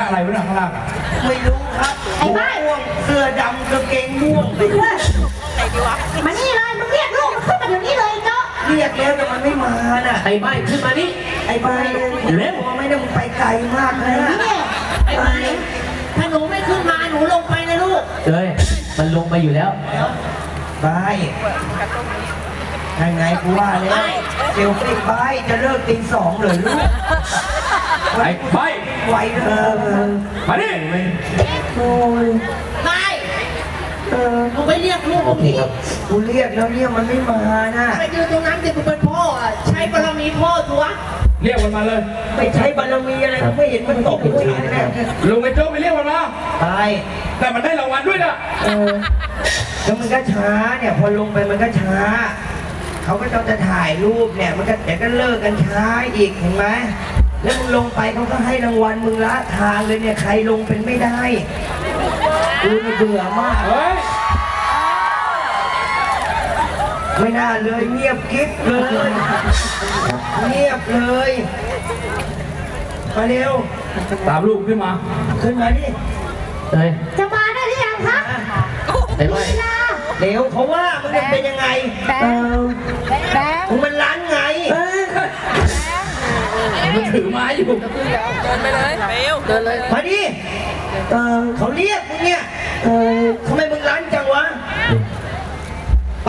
อะไรวะเนี่ยข้างล่างไม่รู้ครับไอ้บ้าเสื้อดำกางเกงม่วงไปด้วยมานี่เลยมึงเรียกลูกมันขึ้นมาเดี๋ยวนี้เลยเนาะเรียกแล้วแต่มันไม่มาน่ะไอ้ใบขึ้นมานี่ไอ้ใบเร็วไม่ได้มึงไปไกลมากเลยนะไอ้ใบถ้าหนูไม่ขึ้นมาหนูลงไปนะลูกเฮ้ยมันลงไปอยู่แล้วใบยังไงกูว่าแล้วเดี๋ยวไอ้ใบจะเลิกตี2เลยลูกไอ้ใบไหวเธอมาดิโอ้ยใบมึงไปเรียกลูกโอเคครับกูเรียกแล้วเนี่ยมันไม่มานะไปยืนตรงนั้นสิกูเป็นพ่อใช้บารมีพ่อตัวเรียกมันมาเลยไม่ใช้บารมีอะไรไม่เห็นมันตกกูเองนะลุงไอ้โจ้ไปเรียกมันมาตายแต่มันได้รางวัลด้วยนะแล้วมันก็ช้าเนี่ยพอลงไปมันก็ช้าเขาก็ต้องจะถ่ายรูปเนี่ยมันก็เดี๋ยวก็เลิกกันช้าอีกเห็นไหมแล้วมึงลงไปเขาก็ให้รางวัลมึงละทางเลยเนี่ยใครลงเป็นไม่ได้กูนี่เบื่อมากเฮ้ยไม่น่าเลยเงียบกิ๊บเลยเงียบเลยมาเร็วตามลูกขึ้นมาดิเฮ้ยจะมาได้หรือยังคะไอ้ใบเดี๋ยวเขาว่ามันเป็นยังไงมันร้านไงมันถือไม้อยู่เดินไปเลยเดินเลยมาดิเขาเรียกมึงเนี่ยทำไมมึงร้านจังวะไป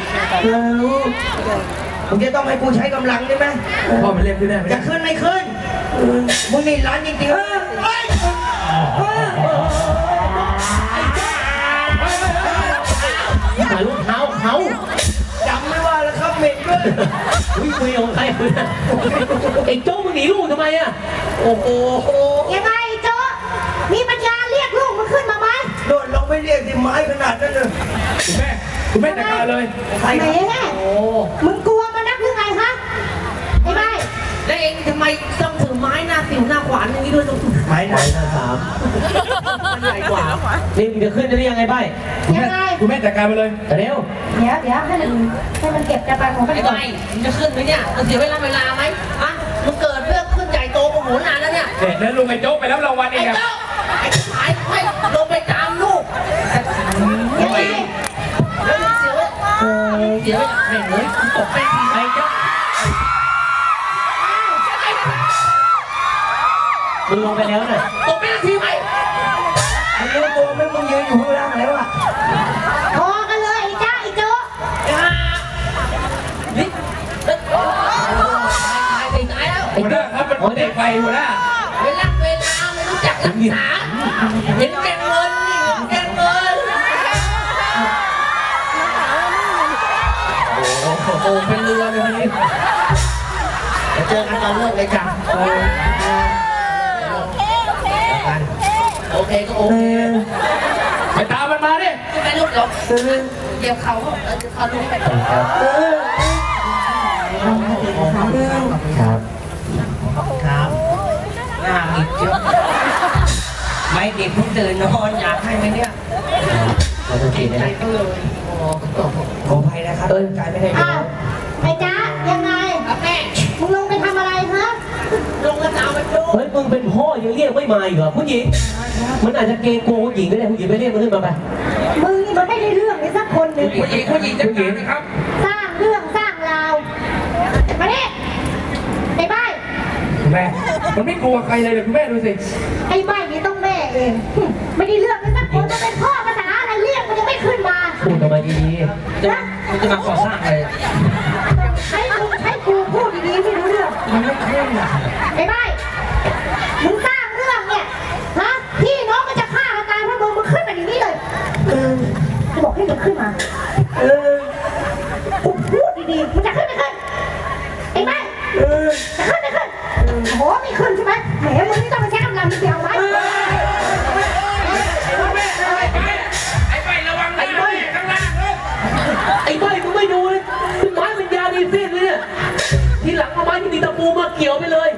มึงจะต้องให้กูใช้กำลังใช่ไหมพ่อมันเรียกขึ้นได้ไหมจะขึ้นไม่ขึ้นมึงนี่ร้านจริงๆถ่ายรูปเท้าเขาจำไม่ว่าแล้วครับเหม็นด้วยอุ้ยคุยของใครไอ้โจ้มึงหนีลูกทำไมอ่ะโอ้โหยังไงโจ้มีปัญญาเรียกลูกมันขึ้นมาไหมโดนลงไม่เรียกดิไม้ขนาดนั้นเลยคุณแม่จัดการเลยใครโอ้มึงกลัวมันนักหรือไงคะไอ้ใบแล้วเองทำไมต้องถือไม้หน้าสิวหน้าขวานอย่างนี้ด้วยไม้หน้าสามมันใหญ่กว่านี่มึงจะขึ้นได้ยังไงใบคุณแม่จัดการไปเลยเร็วเดี๋ยวให้มันเก็บจะไปของมันไอ้ใบมึงจะขึ้นไหมเนี่ยมันเสียเวลาไหมฮะมึงเกิดเรื่องขึ้นใหญ่โตโมโหนานแล้วเนี่ยเด็กแล้วลุงไอ้โจ๊กไปแล้วรางวัลเองไอ้โจ๊กไอ้ขายให้ลงไปตามลูกยังไงแล้วเสียไม่เลยตกไปทีไอ้โจ๊กมึงลงไปแล้วน่ะตกไปทีไหมมึงรู้ตัวไหมมึงยืนอยู่ข้างล่างแล้วอ่ะพอกันเลยไอ้โจ๊กนี่ตายแล้วหัวหน้าครับเป็นเด็กไฟหัวหน้าเวลาไม่รู้จักรักษาเห็นแก่เงินนี่เห็นแก่เงินโอ้เป็นเรือเลยวันนี้เจอกันตอนเลิกเลยจ้ะโอเคก็โอเคไปตามมันมาดิไม่ลุกหรอกเดี๋ยวเขาลุกไปครับครับหน้ามิดเยอะไม่เด็กเพิ่งตื่นนอนอยากให้ไหมเนี่ยโอเคนะขออภัยนะครับใจไม่ได้อ้าวไอ้จ๊ะยังไงแม่มึงลงไปทำอะไรฮะลงกระตาไปดูเฮ้ยมึงเป็นพ่อยังเรียกไม่มาอีกเหรอผู้หญิงมันอาจจะเกรงกลัวผู้หญิงก็ได้ผู้หญิงไปเรียกมันขึ้นมาไปมึงนี่มันไม่ได้เรื่องเลยสักคนหนึ่งผู้หญิงจัดการนะครับสร้างเรื่องสร้างราวมาดิไอ้ใบแม่มันไม่กลัวใครเลยคุณแม่ดูสิไอ้ใบนี่ต้องแม่เองไม่ได้เรื่องเลยสักคนจะเป็นพ่อภาษาอะไรเรียกมันยังไม่ขึ้นมาพูดทำไมดีๆมันจะมาก่อสร้างอะไรให้กูพูดดีๆไม่รู้เรื่องมันไม่ขึ้นอ่ะไอ้ใบมึงสร้างเรื่องเนี่ยฮะพี่น้องก็จะฆ่ากันตายเพราะมึงขึ้นมาอย่างนี้เลยจะบอกให้มึงขึ้นมากูพูดดีๆมึงจะขึ้นไม่ขึ้นไอ้ใบจะขึ้นไม่ขึ้นโอ้ไม่ขึ้นใช่ไหมแหมมึงนี่ต้องมาใช้กำลังเดียวไว้ไอ้ใบระวังไอ้ใบข้างล่างเลยไอ้ใบมึงไม่ดูเลยไม้เป็นยาดีสิ้นเลยเนี่ยทีหลังเอาไม้ที่มีตะปูมาเกี่ยวไปเลย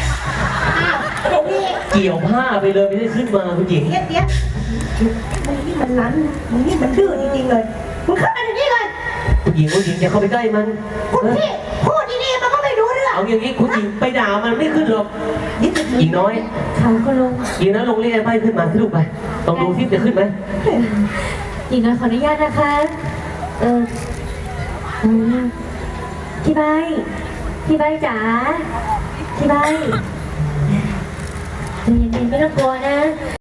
เกี่ยวผ้าไปเลยไม่ได้ขึ้นมาผู้หญิงเดี๋ยวมึงนี่มันรั้นมึงนี่มันดื้อจริงๆเลยมึงขึ้นมาอย่างนี้เลยผู้หญิงจะเข้าไปใกล้มันคุณพี่พูดดีๆมันก็ไม่รู้เรื่องเอาอย่างนี้คุณหญิงไปด่ามันไม่ขึ้นหรอกหญิงน้อยเขาก็ลงหญิงน้อยลงเรียกไอ้ใบขึ้นมาสิลูกไปลองดูซิจะขึ้นไหมหญิงน้อยขออนุญาตนะคะ อืมพี่ใบจ๋าพี่ใบใจเย็นๆไม่ต้องกลัวนะ